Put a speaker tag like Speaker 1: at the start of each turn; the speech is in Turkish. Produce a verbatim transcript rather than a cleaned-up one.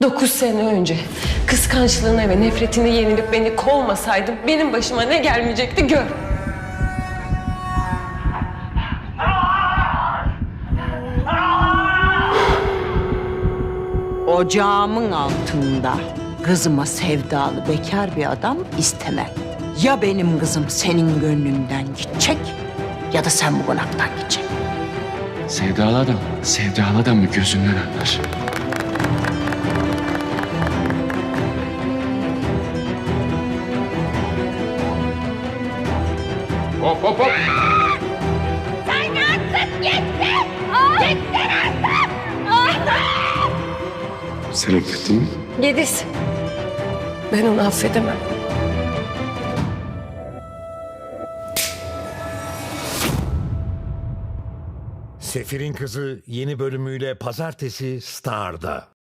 Speaker 1: Dokuz sene önce kıskançlığına ve nefretine yenilip beni kovmasaydın benim başıma ne gelmeyecekti gör.
Speaker 2: Ocağımın altında kızıma sevdalı bekar bir adam istemem. Ya benim kızım senin gönlünden gidecek ya da sen bu konaktan gideceksin.
Speaker 3: Sevdalı adam, sevdalı adamı gözünden anlar. Hop hop hop!
Speaker 4: Sen artık gittin! Gittin artık!
Speaker 3: Sen affettin mi?
Speaker 1: Yediz. Ben onu affedemem.
Speaker 5: Sefir'in Kızı yeni bölümüyle pazartesi Star'da.